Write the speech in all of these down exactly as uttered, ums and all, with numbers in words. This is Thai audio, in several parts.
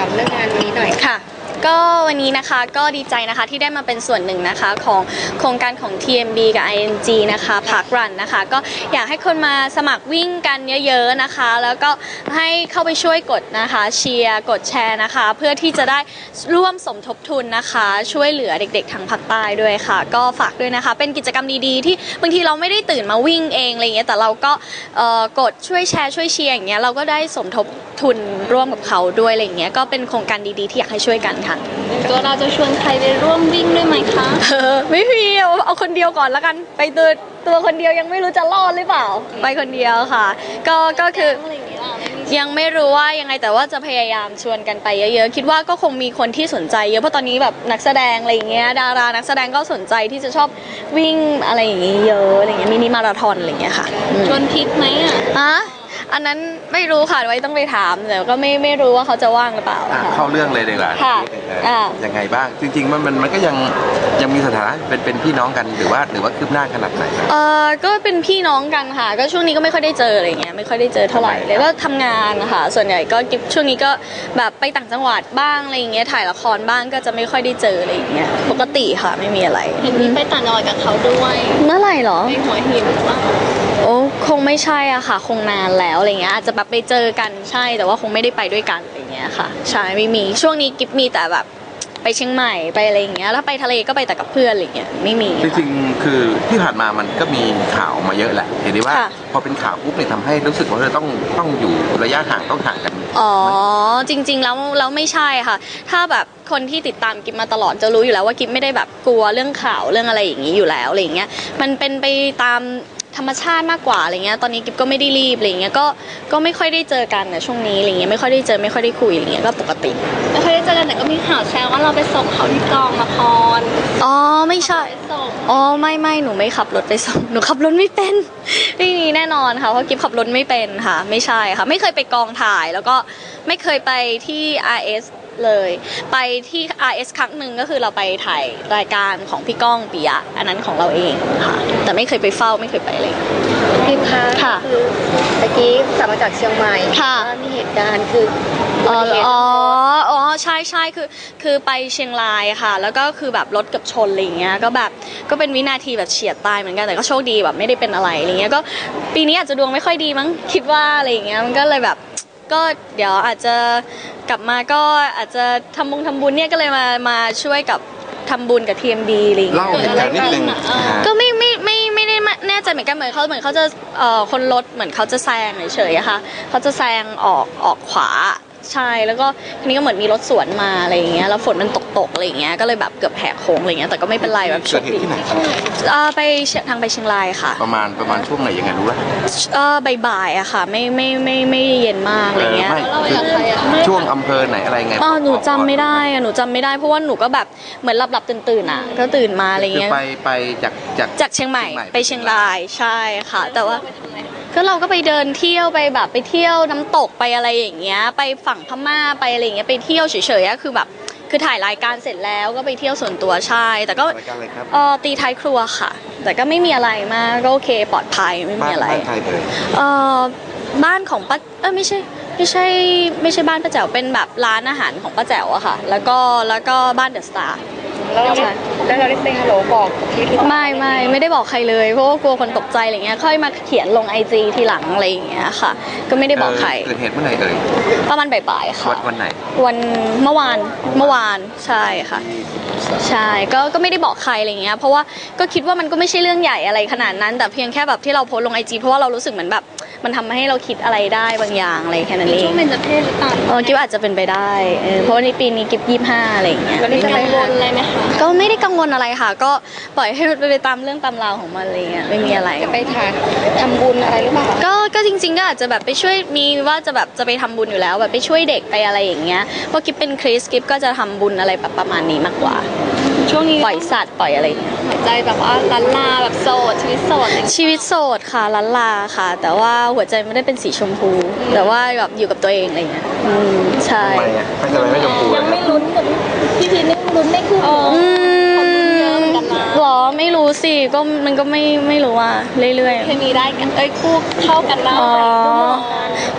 ามเรื่องงานนี้หน่อยค่ะก็วันนี้นะคะก็ดีใจนะคะที่ได้มาเป็นส่วนหนึ่งนะคะของโครงการของ ที เอ็ม บี กับ ไอ เอ็น จี นะคะพาร์ครันนะคะก็อยากให้คนมาสมัครวิ่งกันเยอะๆนะคะแล้วก็ให้เข้าไปช่วยกดนะคะเชียร์กดแชร์นะคะเพื่อที่จะได้ร่วมสมทบทุนนะคะช่วยเหลือเด็กๆทางภาคใต้ด้วยค่ะก็ฝากด้วยนะคะเป็นกิจกรรมดีๆที่บางทีเราไม่ได้ตื่นมาวิ่งเองอะไรเงี้ยแต่เราก็กดช่วยแชร์ช่วยเชียร์อย่างเงี้ยเราก็ได้สมทบทุนร่วมกับเขาด้วยอะไรเงี้ยก็เป็นโครงการดีๆที่อยากให้ช่วยกันค่ะตัวเราจะชวนใครไปร่วมวิ่งด้วยไหมคะไม่มีเอาคนเดียวก่อนแล้วกันไปตัวตัวคนเดียวยังไม่รู้จะรอดหรือเปล่าไปคนเดียวค่ะก็ก็คือยังไม่รู้ว่ายังไงแต่ว่าจะพยายามชวนกันไปเยอะๆคิดว่าก็คงมีคนที่สนใจเยอะเพราะตอนนี้แบบนักแสดงอะไรเงี้ยดารานักแสดงก็สนใจที่จะชอบวิ่งอะไรอย่างเงี้ยเยอะอะไรเงี้ยมินิมาราธอนอะไรเงี้ยค่ะชวนพิษไหมอ่ะอะอันนั้นไม่รู้ค่ะไว้ต้องไปถามแต่ก็ไม่ไม่รู้ว่าเขาจะว่างหรือเปล่าเข้าเรื่องเลยดีกว่าค่ะยังไงบ้างจริงๆมันมันมันก็ยังยังมีสถานะเป็นเป็นพี่น้องกันหรือว่าหรือว่าคืบหน้าขนาดไหนเออก็เป็นพี่น้องกันค่ะก็ช่วงนี้ก็ไม่ค่อยได้เจออะไรเงี้ยไม่ค่อยได้เจอเท่าไหร่เลยก็ทำงานค่ะส่วนใหญ่ก็ช่วงนี้ก็แบบไปต่างจังหวัดบ้างอะไรเงี้ยถ่ายละครบ้างก็จะไม่ค่อยได้เจออะไรเงี้ยปกติค่ะไม่มีอะไรเห็นมีไปต่างจังหวัดกับเขาด้วยเมื่อไหร่หรอไปหัวหินว่าโอ้คงไม่ใช่อะค่ะคงนานแล้วอะไรเงี้ยอาจจะแบบไปเจอกันใช่แต่ว่าคงไม่ได้ไปด้วยกันอะไรเงี้ยค่ะใช่ไม่มีช่วงนี้กิฟมีแต่แบบไปเชียงใหม่ไปอะไรอย่างเงี้ยถ้าไปทะเลก็ไปแต่กับเพื่อนอะไรเงี้ยไม่มีจริงๆคือที่ผ่านมามันก็มีข่าวมาเยอะแหละเห็นได้ว่าพอเป็นข่าวปุ๊บเนี่ยทำให้รู้สึกว่าเราต้องต้องอยู่ระยะห่างต้องห่างกันอ๋อจริงๆแล้วแล้วไม่ใช่ค่ะถ้าแบบคนที่ติดตามกิฟมาตลอดจะรู้อยู่แล้วว่ากิฟไม่ได้แบบกลัวเรื่องข่าวเรื่องอะไรอย่างนี้อยู่แล้วอะไรเงี้ยมันเป็นไปตามธรรมชาติมากกว่าอะไรเงี้ยตอนนี้กิฟก็ไม่ได้รีบอะไรเงี้ยก็ก็ไม่ค่อยได้เจอกันนะช่วงนี้อะไรเงี้ยไม่ค่อยได้เจอไม่ค่อยได้คุยอะไรเงี้ยก็ปกติไม่ค่อยได้เจอกันแต่ก็มีข่าวแชร์ว่าเราไปส่งเขาที่กองละครอ๋อไม่ใช่อ๋อไม่ไม่หนูไม่ขับรถไปส่งหนูขับรถไม่เป็นไม่มีแน่นอนค่ะเพราะกิฟขับรถไม่เป็นค่ะไม่ใช่ค่ะไม่เคยไปกองถ่ายแล้วก็ไม่เคยไปที่ อาร์ เอสเลยไปที่ อาร์ เอส ครั้งหนึ่งก็คือเราไปถ่ายรายการของพี่ก้องปิยะอันนั้นของเราเองค่ะแต่ไม่เคยไปเฝ้าไม่เคยไปเลยพี่คะค่ะคือตะกี้กลับมาจากเชียงใหม่ค่ะมีเหตุการณ์คืออ๋ออ๋อใช่ใช่คือคือไปเชียงรายค่ะแล้วก็คือแบบรถกับชนอะไรเงี้ยก็แบบก็เป็นวินาทีแบบเฉียดตายเหมือนกันแต่ก็โชคดีแบบไม่ได้เป็นอะไรอะไรเงี้ยก็ปีนี้อาจจะดวงไม่ค่อยดีมั้งคิดว่าอะไรเงี้ยมันก็เลยแบบก็เดี๋ยวอาจจะกลับมาก็อาจจะทำบุญทำบุญเนี่ยก็เลยมามาช่วยกับทำบุญกับ ที เอ็ม บี อะไรอย่างเงี้ยเล่าเหตุการณ์นิดนึงก็ไม่ไม่ไม่ไม่ได้แน่ใจเหมือนกันเหมือนเขาเหมือนเขาจะเอ่อคนรถเหมือนเขาจะแซงเฉยๆอะค่ะเขาจะแซงออกออกขวาใช่แล้วก็ทีนี้ก็เหมือนมีรถสวนมาอะไรอย่างเงี้ยแล้วฝนมันตกๆอะไรอย่างเงี้ยก็เลยแบบเกือบแหกโค้งอะไรเงี้ยแต่ก็ไม่เป็นไรแบบโชคดีเออไปทางไปเชียงรายค่ะประมาณประมาณช่วงไหนยังไงรู้ไหมเออบ่ายๆอะค่ะไม่ไม่ไม่ไม่เย็นมากอะไรเงี้ยช่วงอำเภอไหนอะไรไงอ๋อหนูจำไม่ได้อะหนูจำไม่ได้เพราะว่าหนูก็แบบเหมือนหลับๆตื่นๆอะก็ตื่นมาอะไรเงี้ยไปไปจากจากจากเชียงใหม่ไปเชียงรายใช่ค่ะแต่ว่าก็เราก็ไปเดินเที่ยวไปแบบไปเที่ยวน้ำตกไปอะไรอย่างเงี้ยไปฝั่งพม่าไปอะไรอย่างเงี้ยไปเที่ยวเฉยๆคือแบบคือถ่ายรายการเสร็จแล้วก็ไปเที่ยวส่วนตัวใช่แต่ก็เออตีท้ายครัวค่ะแต่ก็ไม่มีอะไรมากก็โอเคปลอดภัยไม่มีอะไรบ้านใครเอ่ยเออบ้านของป้าเออไม่ใช่ไม่ใช่ไม่ใช่บ้านป้าแจ๋วเป็นแบบร้านอาหารของป้าแจ๋วอะค่ะแล้วก็แล้วก็บ้านเดอะสตาร์แล้วแล้วเราได้เซ็งฮัลโหลบอกพี่ที่ไม่ไม่ไม่ได้บอกใครเลยเพราะว่ากลัวคนตกใจอะไรเงี้ยค่อยมาเขียนลงไอจีทีหลังอะไรอย่างเงี้ยค่ะก็ไม่ได้บอกใครเกิดเหตุเมื่อไหร่เอ่ยประมาณบ่ายๆค่ะวันไหนวันเมื่อวานเมื่อวานใช่ค่ะใช่ก็ก็ไม่ได้บอกใครอะไรเงี้ยเพราะว่าก็คิดว่ามันก็ไม่ใช่เรื่องใหญ่อะไรขนาดนั้นแต่เพียงแค่แบบที่เราโพสลงไอจีเพราะว่าเรารู้สึกเหมือนแบบมันทำให้เราคิดอะไรได้บางอย่างอะไรแค่นั้นเองช่วงเป็นจะเพศหรือเปล่าเออกิ๊บอาจจะเป็นไปได้เพราะว่าในปีนี้กิ๊บยี่สิบห้าอะไรอย่างเงี้ยแล้วนี่กังวลอะไรไหมคะก็ไม่ได้กังวลอะไรค่ะก็ปล่อยให้ไปตามเรื่องตามราวของมันอะไรเงี้ยไม่มีอะไรจะไปทานทำบุญอะไรหรือเปล่าก็ก็จริงๆก็อาจจะแบบไปช่วยมีว่าจะแบบจะไปทำบุญอยู่แล้วแบบไปช่วยเด็กไปอะไรอย่างเงี้ยเพราะกิ๊บเป็นคริสกิ๊บก็จะทำบุญอะไรแบบประมาณนี้มากกว่าช่วงนี้ปล่อยสัตว์ปล่อยอะไรหัวใจแบบว่าลันลาแบบโสดชีวิตโสดชีวิตโสดค่ะลันลาค่ะแต่ว่าหัวใจไม่ได้เป็นสีชมพูแต่ว่าแบบอยู่กับตัวเองอะไรเงี้ยอืมใช่ทำไมอ่ะไม่ทำไมไม่ชมพูยังไม่ลุ้นกับพี่พีนี่ลุ้นไม่คู่อืมหรอไม่รู้สิก็มันก็ไม่ไม่รู้อ่ะเรื่อยๆเคมีได้กันเอ้ยคู่เข้ากันแล้วอ๋อ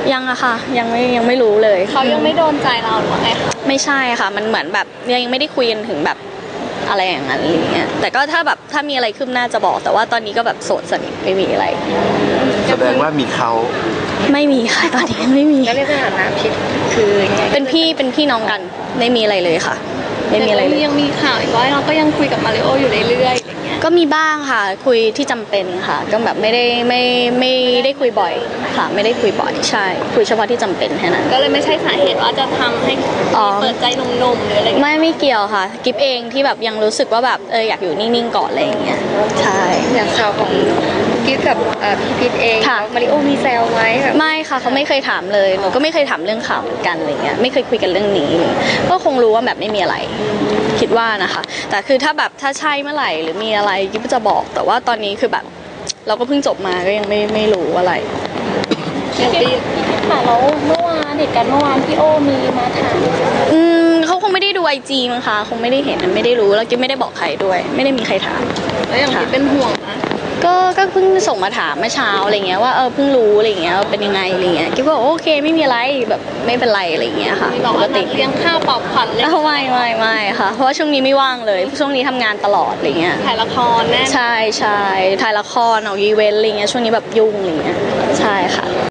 ยังอะค่ะยังไม่ยังไม่รู้เลยเขายังไม่โดนใจเราหรือว่าไงคะไม่ใช่ค่ะมันเหมือนแบบยังไม่ได้คุยกันถึงแบบอะไรอย่างนั้นอะไรเงี้ยแต่ก็ถ้าแบบถ้ามีอะไรขึ้นหน้าจะบอกแต่ว่าตอนนี้ก็แบบโสดสนิทไม่มีอะไรแสดงว่ามีเขาไม่มีค่ะตอนนี้ไม่มีแล้วในสถานะพิษคือยังไงเป็นพี่เป็นพี่น้องกันไม่มีอะไรเลยค่ะ ไม่มีอะไรเลยยังมีข่าวอีกว่าเราก็ยังคุยกับมาริโออยู่เรื่อยๆอะไรเงี้ยก็มีบ้างค่ะคุยที่จำเป็นค่ะ ก็แบบไม่ได้ไม่ไม่ได้คุยบ่อยค่ะ ไม่ได้คุยบ่อยใช่ คุยเฉพาะที่จำเป็นแค่นั้นก็เลยไม่ใช่สาเหตุว่าจะทำให้อ๋อเปิดใจหนุ่มๆหรืออะไรเงี้ยไม่ไม่เกี่ยวค่ะ กิฟเองที่แบบยังรู้สึกว่าแบบเอออยากอยู่นิ่งๆก่อนอะไรอย่างเงี้ยใช่อย่างข่าวของกิ๊กกับเอ่อพี่พิษเองค่ะมาริโอมีแซวไหมแบบไม่ค่ะเขาไม่เคยถามเลยหนูก็ไม่เคยถามเรื่องข่าวเหมือนกันอะไรเงี้ยไม่เคยคุยกันเรื่องนี้ก็คงรู้ว่าแบบไม่มีอะไร คิดว่านะคะ แต่คือถ้าแบบถ้าใช่เมื่อไหร่หรือมีอะไรกิ๊บจะบอก แต่ว่าตอนนี้คือแบบ เราก็เพิ่งจบมาก็ยังไม่ไม่รู้อะไรอย่างที่ค่ะแล้วเมื่อวานเหตุการณ์เมื่อวานพี่โอมีมาถามอืมเขาคงไม่ได้ดูไอจีมั้งคะคงไม่ได้เห็นไม่ได้รู้แล้วกิ๊บไม่ได้บอกใครด้วย ไม่ได้มีใครถามแล้วอย่างที่เป็นห่วงนะก็ก็เพิ่งส่งมาถามเมื่อเช้าอะไรเงี้ยว่าเออเพิ่งรู้อะไรเงี้ยว่าเป็นยังไงอะไรเงี้ยกิ๊บก็บอกโอเคไม่มีอะไรแบบไม่เป็นไรอะไรเงี้ยค่ะมีบอกปกว่านัติดเลี้ยงข้าวปลอบขวัญเลยอ้าวไม่ไม่ไม่ค่ะ เพราะว่าช่วงนี้ไม่ว่างเลยช่วงนี้ทำงานตลอดอะไรเงี้ยถ่ายละครแน่ใช่ใช่ถ่ายละครออกอีเวนต์อะไรเงี้ยช่วงนี้แบบยุ่งอะไรเงี้ยใช่ค่ะ